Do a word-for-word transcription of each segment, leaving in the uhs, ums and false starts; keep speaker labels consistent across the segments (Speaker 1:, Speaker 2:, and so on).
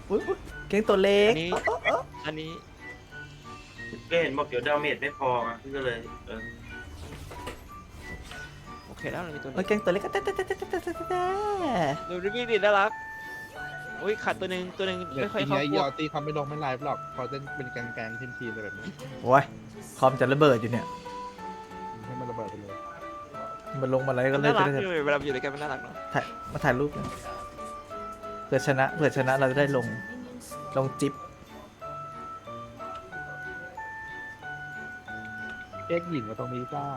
Speaker 1: อุ๊ยเก่งตัวเล็ก
Speaker 2: อันนี้อันนี้
Speaker 3: ก็เห็นบอกเดี๋ยวดาเมจไม่พออ่ะพี่ก็เลยเออ
Speaker 2: โอเคแล้วเรามีตัว
Speaker 1: โอ้ย
Speaker 2: นี้
Speaker 1: เก่งตัวเล็กก็แต่แต่แต่แต่แต่แต่แต่
Speaker 2: ดูริบบี้ดิน่ารักอุ้ยขาดตัวหนึ่งตัวหนึ่ง
Speaker 4: เดี๋ยว
Speaker 2: ไม่ค่อย
Speaker 4: ที
Speaker 2: เข้า
Speaker 4: นี้
Speaker 2: พ
Speaker 4: ย
Speaker 2: ว
Speaker 4: อก ตีเขาไม่ลงไม่ไลฟ์หรอกพอเต้นเป็นแกงๆทีมๆอะไรแบบนี้
Speaker 1: โอ้ยคอมจะระเบิดอยู่เนี่ย
Speaker 4: ให้มันระเบิดไปเลย
Speaker 1: มันลงมาอะไรก็เลย
Speaker 2: น่ารัก
Speaker 1: จะได้
Speaker 2: เลยเวลาอยู่ด้วยกันมันน่ารักเนาะ
Speaker 1: ถ่ายมาถ่ายรูปกันเผื่อชนะเผื่อชนะเราจะได้ลงลงจิ๊บ
Speaker 4: เอ็กหญิงมาตรงนี้จ้า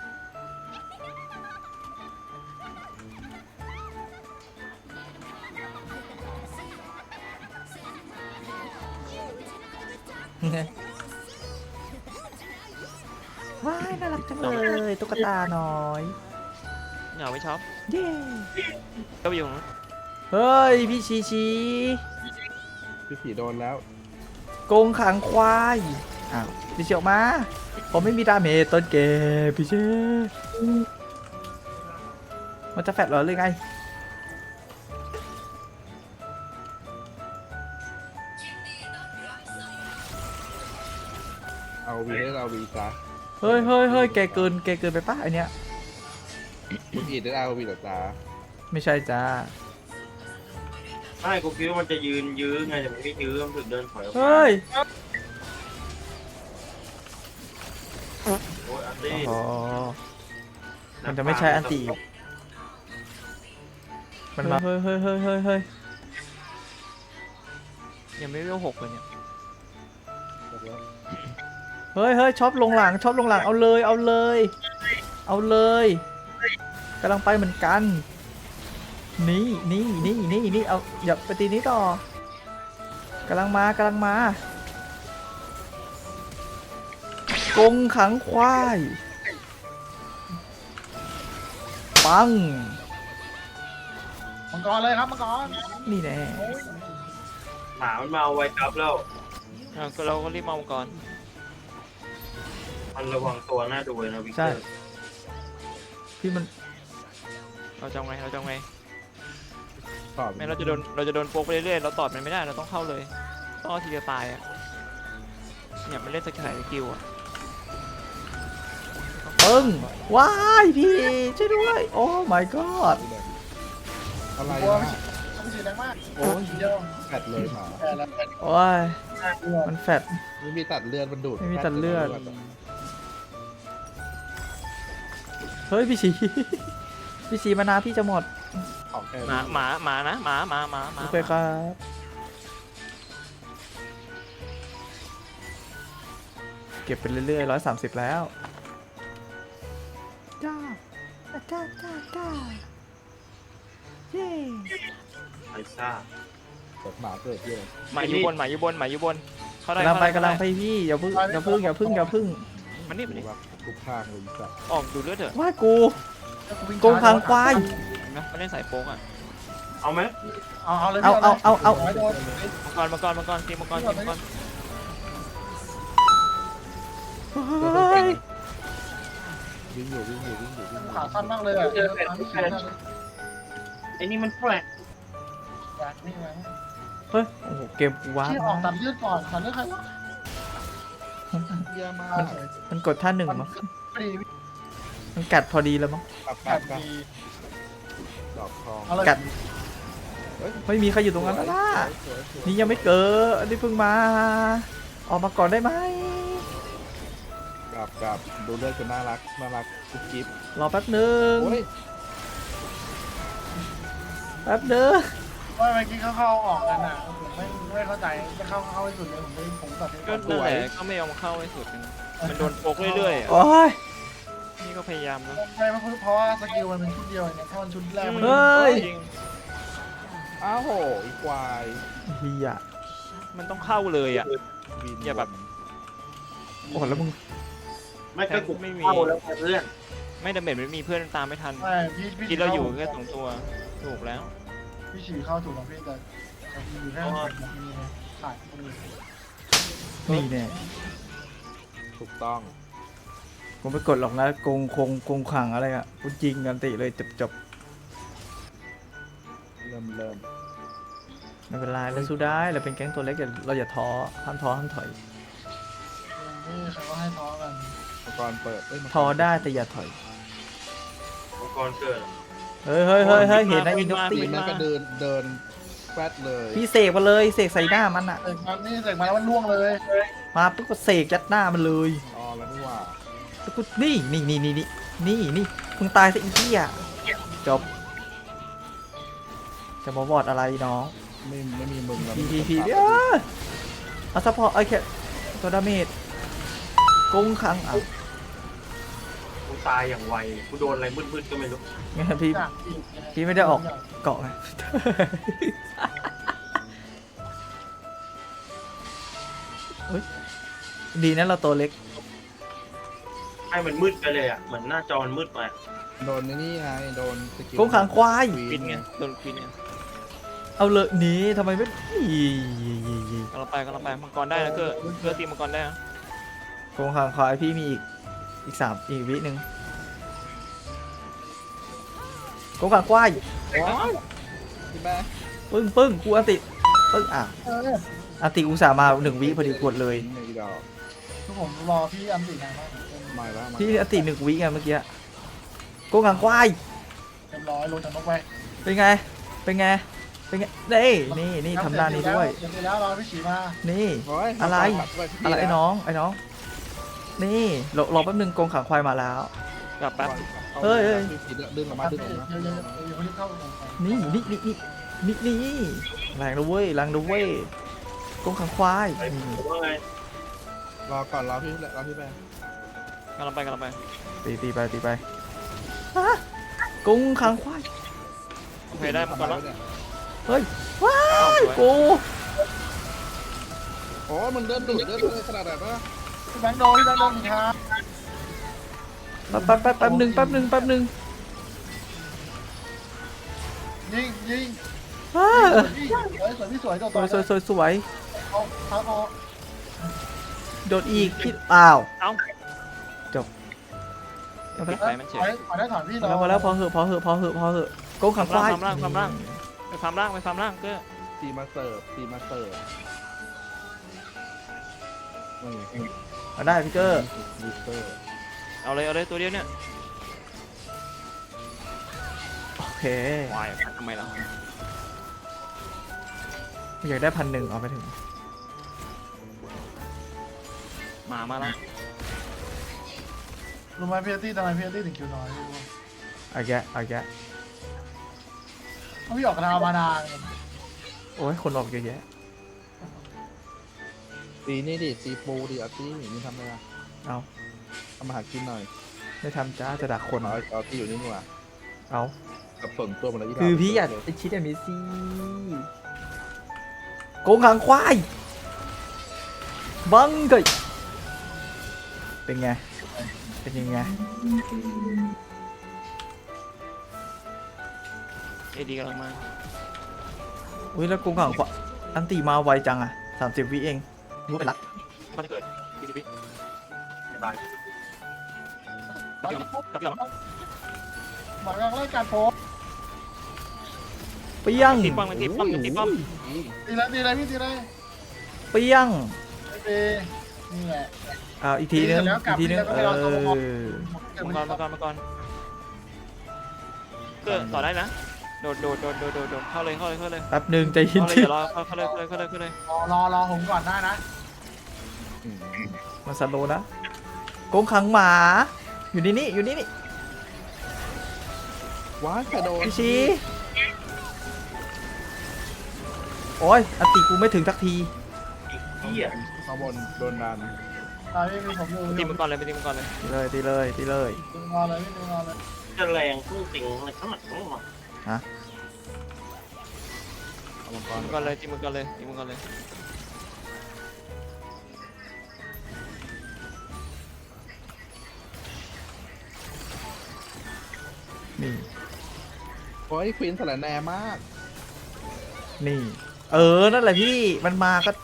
Speaker 1: ว้ายน่ารักจังเลยตุ๊กตาน้อย
Speaker 2: เหงาไม่ชอบ
Speaker 1: เย้
Speaker 2: ก็ไปอยู่นะ
Speaker 1: เฮ้ยพี่ชีชี
Speaker 4: พี่ผีโดนแล้ว
Speaker 1: โกงขังควายอ้าวพี่เชียวมาผมไม่มีดาเมจต้นเกมพี่เชมันจะแฟดเหรอหรือไง
Speaker 4: เอาวีได้เอาวีจ้า
Speaker 1: เฮ้ยเฮ้ยเฮ้ยแกเกินแกเกินไปปะไอเนี้ย
Speaker 4: คุณอีดได้เอาวีหรอจ้า
Speaker 1: ไม่ใช่จ้า
Speaker 3: ไม่กูคิดว่ามันจะยืนยื้อไงแต่มันไม่ยื้อมันถึงเดินถอยออกมา
Speaker 1: เฮ้ย
Speaker 3: โอ้ยอันนี้
Speaker 1: อ๋อมันจะไม่ใช่อันตีมันมาเฮ้ยเฮ้ยเฮ้ยเฮ้ยเฮ้ย
Speaker 2: ยังไม่เวลหกเลยเนี่ย
Speaker 1: เฮ้ยเฮ้ยช็อปลงหลังช็อปลงหลังเอาเลยเอาเลย เอาเลยกำลังไปเหมือนกันนี่นี่นี่นี่นี่เอาอย่าไปตีนี้ต่อกำลังมากำลังมากงขังควายปัง
Speaker 5: มังกรเลยครับมังกร
Speaker 1: นี่แน่
Speaker 3: หมามันมาเอาไว้จับแล้ว
Speaker 2: อ่ะก็เราก็รีบมาก่อน
Speaker 3: มันระวังตัวหน้าดูเลยนะวิกเต
Speaker 1: ใช่
Speaker 3: อร์
Speaker 1: พี่มัน
Speaker 2: เราจะเอาไงเราจะเอาไง
Speaker 4: ตอบ
Speaker 2: ไม่เราจะโดนเราจะโดนโป๊กไปเรื่อยๆเราตอดมันไม่ได้เราต้องเข้าเลยต้องเอาทีจะตายอ่ะเนี่ยมันเล่นสกิลสกิลอ่ะ
Speaker 1: ปึ้งว้ายพี่ช่วยด้วยโอ้ my god
Speaker 4: อะไร
Speaker 5: กลัว
Speaker 4: นะ
Speaker 5: ไม่ใช่แรงมาก
Speaker 4: โอ้ย
Speaker 5: เดียว
Speaker 4: แฟดเลยหมา
Speaker 5: แพ้แล้วแพ้
Speaker 1: โอ้ยมันแฟด
Speaker 4: ไม่มีตัดเลือดมันดูด
Speaker 1: ไม่มีตัดเลือด เฮ้ยพี่ชี พี่ชีมานาพี่จะหมด
Speaker 4: ของแค่
Speaker 2: หมาหมาหมานะหมาหมาหมาหมา
Speaker 1: โอเคครับเก็บไปเรื่อยๆร้อยสามสิบแล้วจ้าจ้าจ้าจ้าเย้
Speaker 3: ไอ้ซ่า
Speaker 4: กดหมาเกิดเยอะ
Speaker 2: หมาอยู่บนหมาอยู่บนหมาอยู่บนเข้าได้
Speaker 1: กำลังไป
Speaker 2: เข้าด้
Speaker 1: กำลังไปพี่อย่าพึ่งอย่าพึ่งอย่าพึ่งอย่าพึ่ง
Speaker 2: มันนี่มัน
Speaker 4: ดู
Speaker 2: นี่
Speaker 4: ว่าทุกข้างเลยจ้ะ
Speaker 2: ออกดูเลือดเถอะ
Speaker 1: ว่ากูโกงขังควาย
Speaker 2: เห็นไหมมันเล่นสายโป๊กอ่ะ
Speaker 3: เอาไหม
Speaker 5: เอาเอาเลย
Speaker 1: เอาเอาเอาเอา
Speaker 5: โดน
Speaker 2: มังกรมังกรมังกรตีมังกรตีมังกร
Speaker 1: เฮ้ย
Speaker 4: วิ่งอยู่วิ่งอยู่วิ่งอยู่วิ่งอยู่
Speaker 5: ขาสั้นมากเลยอ่ะ
Speaker 3: ไอ้นี่มันแปลก
Speaker 5: นี่ไง
Speaker 1: เฮ้ยโอ้โหเกมกูว้า
Speaker 5: ที่ออกตัดเลือดก่อนตัดเลือดใครวะ
Speaker 4: เยี่ยมมาก
Speaker 1: มันกดท่าหนึ่งมั้ง
Speaker 5: พอดี
Speaker 1: มันกัดพอดีแล้วมั้ง
Speaker 4: กลับก
Speaker 5: กั
Speaker 4: ลั
Speaker 5: ด
Speaker 4: บกลับ
Speaker 5: ดี
Speaker 4: ดอกทอง
Speaker 5: เอาเลย
Speaker 1: กัดไม่มีใครอยู่ตรงนั้นแล้วล่ะ
Speaker 4: สวยสวย
Speaker 1: นี่ยังไม่เกิดอันนี้เพิ่งมา ออกมาก่อนได้ไหม
Speaker 4: กลับกลับดูเลือดกันน่ารักน่ารักกุ๊บกิ๊บ
Speaker 1: รอแป๊บหนึ่ง
Speaker 4: โอ้ย
Speaker 1: แป๊บหนึ่ง
Speaker 5: ว่าเมื่อกี้เขาเข้าออกกันอ่ะผมไม่ไม่เข้าใจจะเข้าเข้าให้สุดเลยผมไม่ผมตัดเลือด
Speaker 2: ก็
Speaker 5: ก่อน
Speaker 2: นั่นแหละก็ไม่ยอมเข้าให้สุดนึงมันโดนโป๊กเรื่อยๆอะ
Speaker 1: โอ้ย
Speaker 2: นี่ก็พยายามนะ
Speaker 5: ใช่เพราะว่าสกิลมันเป็นชุดเดียวเนี่ยถ้ามันชุดแรกมัน
Speaker 1: เฮ้ย
Speaker 2: จริง
Speaker 4: อ้าวโหอีควาย
Speaker 1: เฮีย
Speaker 2: มันต้องเข้าเลยอ่ะ
Speaker 4: บิน
Speaker 2: อย่าแบบ
Speaker 1: โอ้แล้วมึง
Speaker 3: ไม่ก็กู
Speaker 2: ไม่มี
Speaker 3: เข้าแล้วเพื่อน
Speaker 2: ไม่ดาเมจไม่มีเพื่อนตามไม่ทัน
Speaker 5: ไม่พี่พี่
Speaker 2: คิดเราอยู่แค่สองตัวถูกแล้ว
Speaker 5: พี่ฉี่เข้าถูกของพี่แต่อยู่แค่ขาดคนอื่น
Speaker 1: นี่แน่
Speaker 4: ถูกต้อง
Speaker 1: กูไม่กดหรอกนะโกงคงโกงขังอะไรอ่ะกูจริงกันติเลยจบจบ
Speaker 4: เริ่มเริ่ม
Speaker 1: ไม่เป็นไรเราสู้ได้เราเป็นแก๊งตัวเล็กอย่าเราอย่าท้อห้ามท้อห้ามถอย
Speaker 5: นี่ใครก็ให้ท้อกัน
Speaker 4: มังกรเปิดเอ้ยมังกร
Speaker 1: ท้อได้แต่อย่าถอย
Speaker 3: มังกรเกิด
Speaker 1: เฮ้ยเฮ้ยเฮ้ยเฮ้ยเห็นนะอินยกตี
Speaker 4: ปีนนั้นก็เดินเดินแฟดเลย
Speaker 1: พี่เสกมาเลยเสกใส่หน้ามันอะ
Speaker 5: เสกมานี่เสกมาแล้วมันล่วงเลย
Speaker 1: มาปุ๊บก็เสกยัดหน้ามันเลย
Speaker 4: อ๋อแล้วนี่หว่า
Speaker 1: แล้วก็นี่นี่นี่นี่นี่นี่นี่มึงตายซะอีกที่อ่ะจบจะมาวอดอะไรน้อง
Speaker 4: ไม่ไม่มีมึงแล้ว
Speaker 1: พีพีพีเดี๋ยวเอาซัพพอร์ตไอ้แค่ตัวดาเมจกงคังอ่ะ
Speaker 3: กูตายอย่างไวกูโดนอะไรมืดๆก็ไม่รู้
Speaker 1: งั้นพี่
Speaker 5: อยากอีก
Speaker 1: พี่ไม่ได้ออกเกาะไง เฮ้ยดีนะเราตัวเล็ก
Speaker 3: ให้มันมืดไปเลยอ่ะเหมือนหน้าจอมันมืดไป
Speaker 4: โดนนี่ไงโดนสกิล
Speaker 1: กงขังควาย
Speaker 2: ควินไงโดนควินไง
Speaker 1: เอาเลยหนีทำไมไม่อี
Speaker 2: กำลังไปกำลังไปมังกรได้นะเกือเกือตีมังกรได้นะ
Speaker 1: กงขังควายพี่มีอีกอีกสามอีกวิหนึ่งกงขังควาย
Speaker 4: ว้าวพี่แม่
Speaker 1: ปึ้งปึ้งกูอันติปึ้งอ่ะ
Speaker 5: เออ
Speaker 1: อันติอุตส่าห์มาหนึ่งวิพอดีกดเลย
Speaker 4: ในดอก
Speaker 5: ทุกผมรอพี่อันตินานมาก
Speaker 4: มาแล้วมา
Speaker 1: พี่อันติหนึ่งวิไงเมื่อกี้กงขังควาย
Speaker 5: เต็มร้อยลงจากนกไป
Speaker 1: เป็นไงเป็นไงเป็นไงนี่นี่นี่ทำด้านนี้ด้วย
Speaker 5: เสร็จแล้วรอพี่ฉีมา
Speaker 1: นี่
Speaker 4: โย
Speaker 1: อะไร
Speaker 4: กลับปที่
Speaker 1: อะไรไอ้
Speaker 4: แล้ว
Speaker 1: น้องไอ้น้องนี่รอรอแป๊บนึงกงขังควายมาแล้ว
Speaker 2: กลับแป๊บ
Speaker 1: เฮ้ยเฮ้ย
Speaker 4: ดึงออกมาดึงออกมา
Speaker 5: เดี๋ยวเดี๋ยวเดี๋ยวเขารีบเข้า
Speaker 1: นี่นี่นี่นี่นี่นี่แรงนะเว้ยแรงนะเว้ยกงขังควาย
Speaker 3: ไอ้
Speaker 1: นี่
Speaker 3: ผมว่าไง
Speaker 4: รอก่อนรอพี่รอพี่แม่
Speaker 2: กำลังไปกำลังไป
Speaker 1: ตีตีไปตีไปฮะกงขังควาย
Speaker 2: โอเคได้มังกรแล้ว
Speaker 4: เนี่ย
Speaker 1: เฮ้ยว้า
Speaker 2: อ้าวย สวย
Speaker 1: กู
Speaker 4: โอ้มันเดินดุเดินเลยขนาดนั้นนะ
Speaker 5: พี่แบงค์โดนพี่แบงค์โดนอีกครับ
Speaker 1: แป๊บแป๊บแป๊บแป๊บนึงแป๊บนึงแป๊บนึง
Speaker 5: ยิงยิง
Speaker 1: อ้า
Speaker 5: สวยสวยพี่สวยตัว
Speaker 1: สวยสวยสวยสวย
Speaker 5: เอาเอาเอา
Speaker 1: โดนอีกพี่อ้าว
Speaker 2: เอ้า
Speaker 1: เอาไป
Speaker 2: ไปมันเฉย
Speaker 5: ขอได้ถอนพี่
Speaker 1: พอแล้วพอแล้วพอเหอะพอเหอะพอเหอะพอเหอะกงขังควาย
Speaker 2: ความร่างความร่าง ไปฟาร์มล่างไปฟาร์มล่างเกือ
Speaker 4: ตีมาเสิร์ฟตีมาเสิร์ฟนี่
Speaker 1: เอาได้พี่เกอร์
Speaker 4: บูสเตอร์
Speaker 2: เอาเลยเอาเลยตัวเดียวเนี่ย
Speaker 1: โอเค
Speaker 2: วายทำไมล่ะ
Speaker 1: อยากได้พันหนึ่งเอาไปถึง
Speaker 2: หมามาแล้ว
Speaker 5: รู้ไหมพี่ตี้ทำไมพี่ตี้ถึงคิวน้อย
Speaker 1: เอาแกะเอาแกะ
Speaker 5: เพราะพี่ออกกระดาวมานาน
Speaker 1: โอ้ยคนออกเยอะแยะ
Speaker 4: ตีนี่ดิตีปูดิเอาตีนี่ทำไมอ่ะ
Speaker 1: เอา
Speaker 4: ทำมาหากินหน่อย
Speaker 1: ไม่ทำจ้าจะดักคน
Speaker 4: เอาเอาตีอยู่นี่นี่หว่า
Speaker 1: เอา
Speaker 4: กับส่วนตัวมันอะไรที่
Speaker 1: คือพี่อยากไปชิดอันนี้สิโกงขังควายบังเกยเป็นไงเป็นยังไง
Speaker 2: เอดีกำลังมา
Speaker 1: อุ้ยแล้วโกงขังควายอันตีมาไวจังอ่ะสามสิบวิเองรู้ไปละ
Speaker 2: มันจะเกิดพีทีพี
Speaker 3: ตาย
Speaker 2: กลับพี่กลับพี่หรอ
Speaker 5: หมายการไล่การโพส
Speaker 1: เปี้ยง
Speaker 2: ตีป้อมมันตีป้อมมันตีป้อม
Speaker 5: ตีเลยตีเลยพี่ตีเลย
Speaker 1: เปี้ยง
Speaker 5: เอนี่แหละ
Speaker 1: เอาอีกทีนึง
Speaker 5: ตีเสร็จแล้วกลั
Speaker 1: อี
Speaker 5: บ
Speaker 1: กทีนึง
Speaker 5: แล้วก็
Speaker 1: เอ
Speaker 5: ไปรอตัว
Speaker 1: อ
Speaker 2: มังกรมังกรมังกรเกือต่อได้นะโดดโดดโดดโดดโดดโดดเข้าเลยเข้าเลยเข้าเลย
Speaker 1: แป๊บหนึ่งใจเย็น
Speaker 2: เข้าเลย
Speaker 1: ที่
Speaker 2: เดี๋ยวรอเข้าเลยเข้าเลยเข้าเลยเข้าเลย
Speaker 5: รอรอรอผมก่อนได้นะ
Speaker 1: มาสโลว์นะโกงขังหมา อยู่นี่นี่อยู่นี่นี่
Speaker 4: ว้ายกระโดด
Speaker 1: พี่ชีโอ้ยอันติกูไม่ถึงสักที
Speaker 3: เหี้ย
Speaker 4: ข้างบนโดนดัน
Speaker 5: ตายไม่มีผมอยู่
Speaker 2: ตีมังกรเลยไปตีมังกรเลย
Speaker 1: ตีเลยตีเลยตีเลย
Speaker 5: ดึงรอเลยพี่ดึงรอเลย
Speaker 3: จะแรงพุ่งติงอะไรขนาดนั้นวะ
Speaker 4: เอามังก
Speaker 2: ตี
Speaker 4: ร
Speaker 2: มังกรเลยตีมังกรเลยตีมังกรเลย
Speaker 1: นี่
Speaker 4: โอ้ยควีนสลัดแหน่มาก
Speaker 1: นี่ เออ นั่นแหละพี่ มันมาก็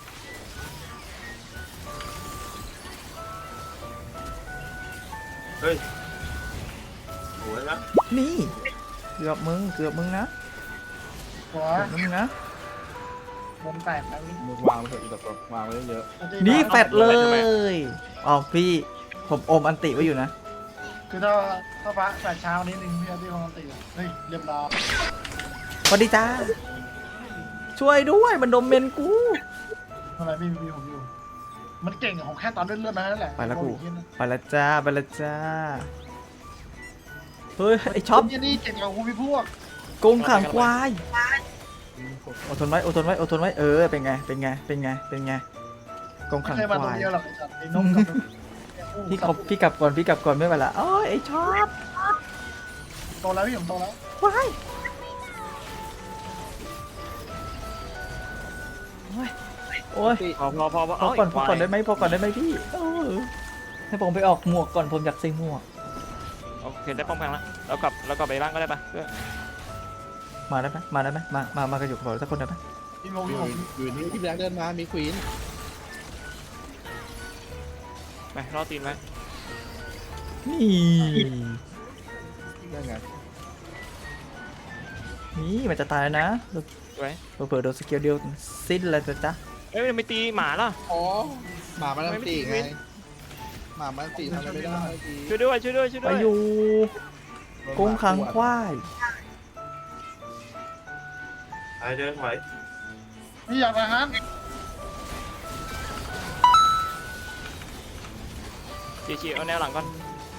Speaker 3: เฮ้ยโหยนะ
Speaker 1: นี่ เกือบมึง เกือบมึงนะ
Speaker 5: หัว
Speaker 1: เกือบมึงนะ
Speaker 5: วงแตกแล้วนี่
Speaker 4: มึงวางไปเถอะอีกตัววางไว้เยอะ
Speaker 1: นี่แฟดเลยอ๋อพี่ผมอมอันติไว้อยู่นะ
Speaker 5: คือถ้าถ้าฟ้าแปดเช้านิดนึงพี่อาร์ตี้ปกติเฮ้ยเรียบร้อย
Speaker 1: สวัสดีจ้าช่วยด้วยมันดมเมนกู
Speaker 5: อะไรพี่มีผมอยู่มันเก่งของแค่ตอนเลื่อนๆนั่นแหละ
Speaker 1: ไปแล้วกู
Speaker 5: โอ้ยเหี้ยนะ
Speaker 1: ไปละจ้าไปละจ้าเฮ้ยไอช็อป
Speaker 5: เนี่ยนี่เก่งกว่ากูพี่พวก
Speaker 1: โกงขังควายอดทนไว้อดทนไว้อดทนไว้เออเป็นไงเป็นไงเป็นไงเป็นไงโกง
Speaker 5: ไม่
Speaker 1: ขัง
Speaker 5: เคย
Speaker 1: ค
Speaker 5: มาตัว
Speaker 1: วาย
Speaker 5: เดียวหรอกไอ้สัตว์ไอ้นกกับ
Speaker 1: พี่กลับพี่กลับก่อนพี่กลับก่อนไม่ไหวละโอ้ยไอช็อป
Speaker 5: โตแล้วพี่ผมโตแล้ว
Speaker 1: ว้ายโอ้ยโอ้ย
Speaker 2: พอพอพอพอ
Speaker 1: พอก่อนพอก่อนได้ไหมพอก่อนได้ไหมพี่เออให้ผมไปออกหมวกก่อนผมอยากใส่หมวก
Speaker 2: โอเคได้ป้องกันแล้วเรากลับเรากลับไปบ้านก็ได้ปะเพื่อน
Speaker 1: มาได้ไหมมาได้ไหมมามามากันอยู่กับผมสักคนได้ไหม
Speaker 5: พี่โม
Speaker 4: อ
Speaker 5: พี่
Speaker 4: ยู่
Speaker 5: ผม
Speaker 4: อยู่นี่ที่แบล็คเดินมามีควีน
Speaker 2: ไปรอตีนไว้
Speaker 1: นี่
Speaker 4: ยังไง
Speaker 1: นี่มันจะตายแล้วนะ
Speaker 2: ไว้
Speaker 1: เผื่อๆโดนสกิลเดียวสิ้นเลยจ้ะจ๊ะ
Speaker 2: เอ้ยไม่ตีหมาล่ะ
Speaker 4: อ๋อหมามันอันตีไง
Speaker 2: ไม่
Speaker 4: หมามันอันตีทำอะไรไม่ได้เมื่อกี้
Speaker 2: ช่วยด้วยช่วยด้วยช่วย
Speaker 1: ไป
Speaker 2: ด้วย
Speaker 1: อยู่
Speaker 4: โดนห
Speaker 1: โก
Speaker 4: มาง
Speaker 1: ขัง
Speaker 4: ขวด
Speaker 1: ควาย
Speaker 3: ไอเดินไหว
Speaker 5: พี่อยากทหาร
Speaker 2: ชี้ชี้เอาแนวหลังก่อน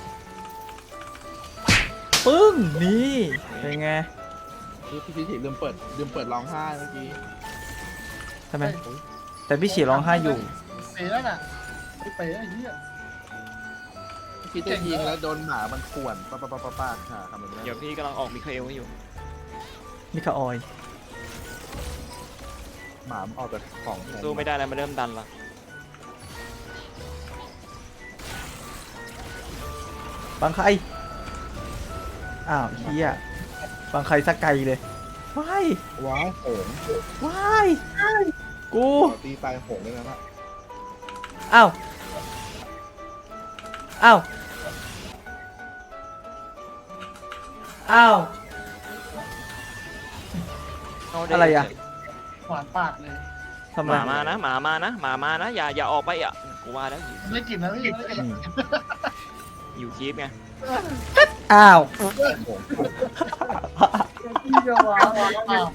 Speaker 1: ปึ้งนี่เป็นไง
Speaker 4: นี่พี่พี่ถีลืมเปิดลืมเปิดร้องไห้เมื่อกี้
Speaker 1: ทำไมแต่พี่ฉี่ร้องไห้อยู่
Speaker 5: เป๋แล้วน่ะไอ้เป๋ไอ้เหี้ย
Speaker 4: พี่จะยิงแล้วโดนหมามันข่วนป้าป้าป้าป้าป้าค่ะทำแบบนี้
Speaker 2: เดี๋ยวพี่กำลังออกมิคาเอลให้อยู่
Speaker 1: มิคาออย
Speaker 4: หมามันออกจากของที่หน
Speaker 2: สู้ไม่ได้แล้วมันเริ่มดันละ
Speaker 1: บางใครอ้าวเฮียบางใครสักไกลเลยว้าย
Speaker 4: ว้ายโหง
Speaker 1: ว้ายกู
Speaker 4: ตีตายโหงเลยนะ
Speaker 1: อ้าวอ้าวอ้าว
Speaker 2: เาด้
Speaker 1: อะไรอะ
Speaker 5: หวานปากเลย
Speaker 1: ทำ
Speaker 2: ห
Speaker 1: ไม
Speaker 2: มามานะหมามานะหมามานะอย่าอย่าออกไปอ่ะกูว่าแล้วอยู่
Speaker 5: ไม่กินนะพี่ไม่กิน
Speaker 1: อืม
Speaker 2: อยู่คีปไง
Speaker 1: อ้าว
Speaker 4: โหง
Speaker 5: พี่จะหวานปาก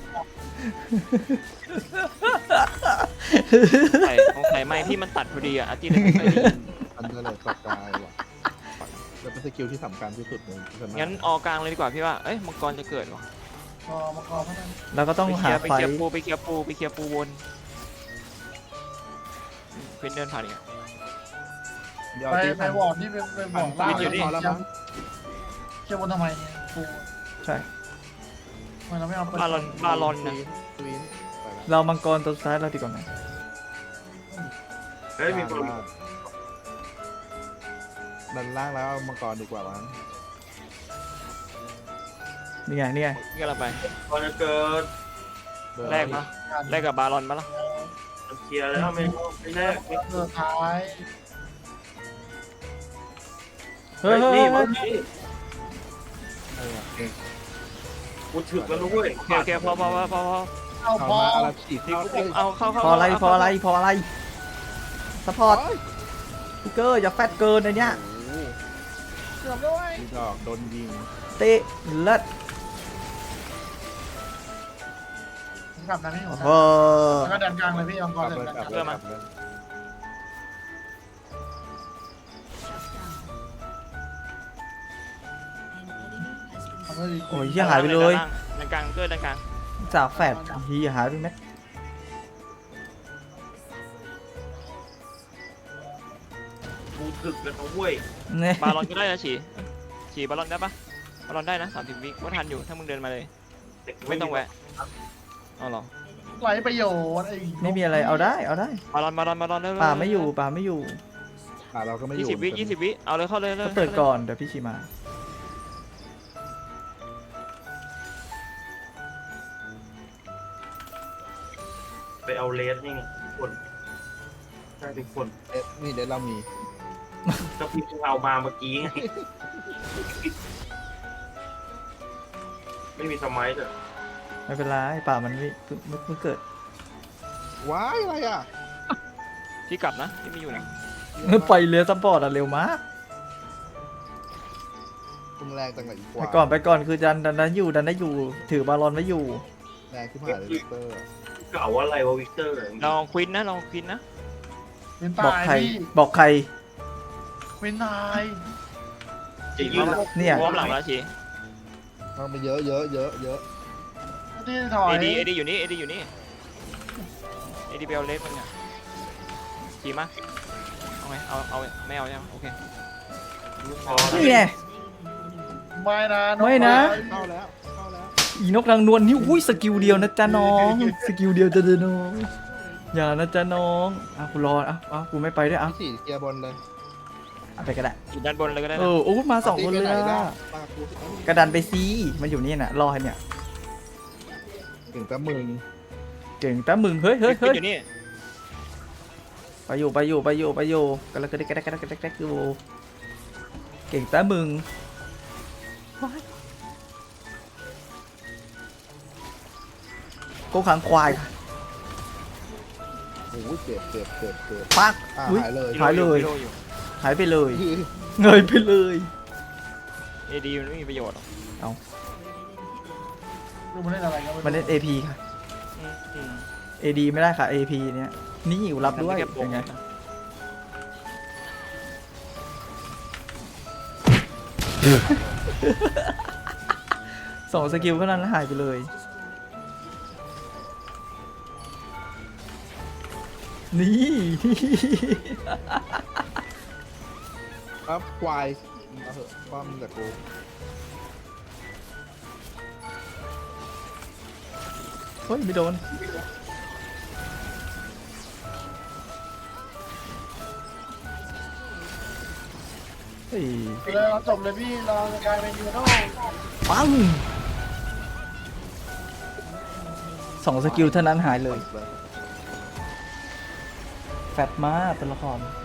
Speaker 2: ใส่ของใส่ไม้พี่มันตัดพอดีอ่ะอาร์ตี้เลยไม่ค่อยได้ยิน
Speaker 4: อันเดอร์เลยประกายว่ะแล้วเป็นสกิลที่สำคัญที่สุดในสนาม
Speaker 2: งั้นออกกลางเลยดีกว่าพี่ว่าเอ้ยมังกรจะเกิดวะ
Speaker 5: คอมาคอเพราะนั้น
Speaker 1: เราก็ต้อง
Speaker 2: ไปเค
Speaker 1: หา
Speaker 2: ลียร์ไป
Speaker 1: ไฟ
Speaker 2: เคลียร์ปูไปเคลียร์ปูไปเคลียร์ปูบนเพื่อนเดินผ่านอีกอะ
Speaker 4: เดี๋ยว
Speaker 5: ไป
Speaker 4: ตี
Speaker 5: ไปวอร์ดที่ไปไปวอร์ดล่าง
Speaker 2: อยู่นี่
Speaker 4: พอแล้วมั้ง
Speaker 5: เชื่อบนทำไมเนี่ยกู
Speaker 1: ใช่
Speaker 5: ทำไมเราไม่เอา
Speaker 2: บาลอนบาลอนนะ
Speaker 4: ควีนไปละ
Speaker 1: เรามังกรตัวสุดท้ายเราดีกว่าไหม
Speaker 3: เฮ้ยมีคน
Speaker 4: ดันล่างแล้วมังกรดีกว่ามั้ง
Speaker 1: นี่ไงนี่ไง
Speaker 2: นี่ก็เราไป
Speaker 3: ตอนจะเกิด
Speaker 2: แรกปะแรกกับบาลอนปะล่ะ
Speaker 3: มันเคลียร์แล้วไม่ไม่แรกไม่
Speaker 5: เกิดท้าย
Speaker 1: เฮ้ยเฮ้ย
Speaker 3: นี่
Speaker 1: เฮ้
Speaker 3: มั
Speaker 1: ย
Speaker 3: นนี่
Speaker 4: เออเก่ง
Speaker 3: กูถึกแล้วนะเว้ย
Speaker 2: โอเคโอเคพอพอพอพอพอ
Speaker 5: เอา
Speaker 4: เอา
Speaker 5: พอ
Speaker 4: มาอะไรฉีด
Speaker 2: ที่
Speaker 4: เข้า
Speaker 2: กูเอาเข้าเข้า
Speaker 1: พออะไร
Speaker 2: เา
Speaker 1: พออะไรพออะไรสปอร์ต
Speaker 4: โอ้ย
Speaker 1: พิกเกอร์อย่าแฟตเกินในเนี้ย
Speaker 4: โอ้โห
Speaker 5: เกือบด้วย
Speaker 4: นี่ดอกโดนยิง
Speaker 1: เตะเลิศ
Speaker 5: กลับนะพี่ผ
Speaker 1: โอ้
Speaker 5: ม
Speaker 1: โห
Speaker 5: แล้วก็ดันกลางเลยพี่เอา
Speaker 4: ก
Speaker 5: ก่อ
Speaker 4: ลั
Speaker 5: น
Speaker 4: บ
Speaker 5: เลย
Speaker 4: เลย
Speaker 5: ดัน
Speaker 4: ก
Speaker 5: ก
Speaker 4: ลั
Speaker 5: ลา
Speaker 4: บ
Speaker 5: ง
Speaker 4: เลยกลับเลย
Speaker 5: ทำให้ดี
Speaker 1: โอ้ยเหี้ยหายไปเลย
Speaker 2: ด้านกลางเกิดด้านกลาง
Speaker 1: จากแฟดเฮียหายไปไหม
Speaker 3: กูถึกแล้วนะเว้ย
Speaker 1: เนี่ย
Speaker 2: บาลอนก็ได้นะฉีฉีบาลอนได้ปะบาลอนได้นะสามสิบวิว่าทันอยู่ถ้ามึงเดินมาเลย
Speaker 3: แต่กู
Speaker 2: ไม่ต้องแวะเอาหรอ
Speaker 5: ไรประโยชน์ไอ้
Speaker 1: ไม่มีอะไรเอาได้เอาได้
Speaker 2: บาลอนบาลอนบาลอนเร็วๆ
Speaker 1: ป่าไม่อยู่ป่าไม่อยู่
Speaker 4: อ่าเราก็ไม่อ
Speaker 2: ยี่
Speaker 4: ยู่
Speaker 2: สิบวิยี่สิบวิเอาเลยเข้าเลยเลย
Speaker 1: ก็เปิดก่อนเดี๋ยวพี่ชีมา
Speaker 3: ไปเอาเลสนี่ไงทุกคนใช่ทุกคน
Speaker 4: เอ๊ะนี่เดี๋ยวเรามี
Speaker 3: ก็พี่เพิ่งเอามาเมื่อกี้ไงไม่มีสมัยเลย
Speaker 1: ไม่เป็นไรป่ามันไม่เพิ่งเพิ่งเกิด
Speaker 4: ว้ายอะไรอ่ะ
Speaker 2: พี่กลับนะพี่ไม่อยู่นะ
Speaker 1: ไปเรือซัพพอร์ตอะเร็วมาก
Speaker 4: มึงแรงจังเลยอีก
Speaker 1: ไป
Speaker 4: ว่า
Speaker 1: ก่อนไปก่อนคือดันดันดันอยู่ดันได้อยู่ถือบาลอนไว้อยู่
Speaker 4: แรงขึ้นมาเลยวิกเตอร์
Speaker 3: เก่าอะไรวะวิกเตอร์
Speaker 2: ลองควินนะลองควินนะ
Speaker 5: วิน
Speaker 1: บอก
Speaker 5: ตาย
Speaker 1: ใคร
Speaker 5: พี่
Speaker 1: บอกใคร
Speaker 5: วินตาย
Speaker 3: จะยืน
Speaker 1: เนี่ย
Speaker 2: พร้อมหลังแล้วชี
Speaker 4: มันไปเยอะเยอะเยอะเยอะ
Speaker 5: ที่ถอย
Speaker 2: เอดีเอดีอยู่นี่เอดีอยู่นี่เอดีเบลเล็กมันเนี่ยชีมาเอาไงเอาเอาไม่เอาใช่ไหมโอเค
Speaker 3: พอ
Speaker 1: นี่แน่
Speaker 5: ไม่นะ
Speaker 1: ไม่นะ
Speaker 4: เข้าแล้วเข้าแล้ว
Speaker 1: อีนกนางนวลนี่อุ้ยสกิลเดียวนะจ๊ะน้องสกิลเดียวจะเดินน้องอย่านะจ๊ะน้องอ่ะกูรออ่ะอ่ะกูไม่ไปด้วยอ่ะ
Speaker 4: พี่สี่เคลียร์บนเลย
Speaker 1: เอาไปก็ได้
Speaker 2: อยู่ด้านบนเลยก็ได้
Speaker 1: เอ
Speaker 2: นะ
Speaker 1: อโอ้มาสองคนเลย
Speaker 4: ตีไปไห
Speaker 1: อ่ะ
Speaker 4: ปากกูสิ
Speaker 1: กระดันไปซีมันอยู่นี่น่ะรอให้เนี่ย
Speaker 4: ถึงกับมึง
Speaker 1: เก่งแต่มึงเฮ้ยเฮ้ย
Speaker 2: ควิ
Speaker 1: เฮ้
Speaker 2: น
Speaker 1: ย
Speaker 2: อยู่นี่
Speaker 1: ไปอยู่ไปอยู่ไปอยู่ไปอยู่กันแล้วก็ได้กันได้กันได้กันได้อยู่เก่งแต่มึงโกขังควายค่ะ
Speaker 4: โอ้ยเจ็บเจ็บเจ็บเจ็บ
Speaker 1: ปัก
Speaker 4: อ่า
Speaker 1: อุ้ย
Speaker 4: หายเลย
Speaker 1: หายเลย
Speaker 2: พี่โอยู่
Speaker 1: หายไปเลยเงยไปเลย
Speaker 2: เอดีมันไม่มีประโยชน์หรอก
Speaker 5: ดูมันเล่นอะไรกัน
Speaker 1: มันเล่น เอ พี ค่ะ
Speaker 2: อืมอืม
Speaker 1: เอ ดี ไม่ได้ค่ะ เอ พี เนี่ยนี่อยู่รับด้วย
Speaker 2: แค่โป
Speaker 1: เป็นไง
Speaker 2: นะ
Speaker 1: สองสกิลเท่านั้นแล้วหายไปเลย นี่
Speaker 4: ครับควายเอาเถอะป้อมจากกู
Speaker 1: เฮ้ย ไม่โดน เฮ้ย
Speaker 5: เลยเราจบเลยพี่เราจะกลายเป็นยูโน่
Speaker 1: ปังสองสกิลเท่านั้นหายเลย แฟตมากตัวละคร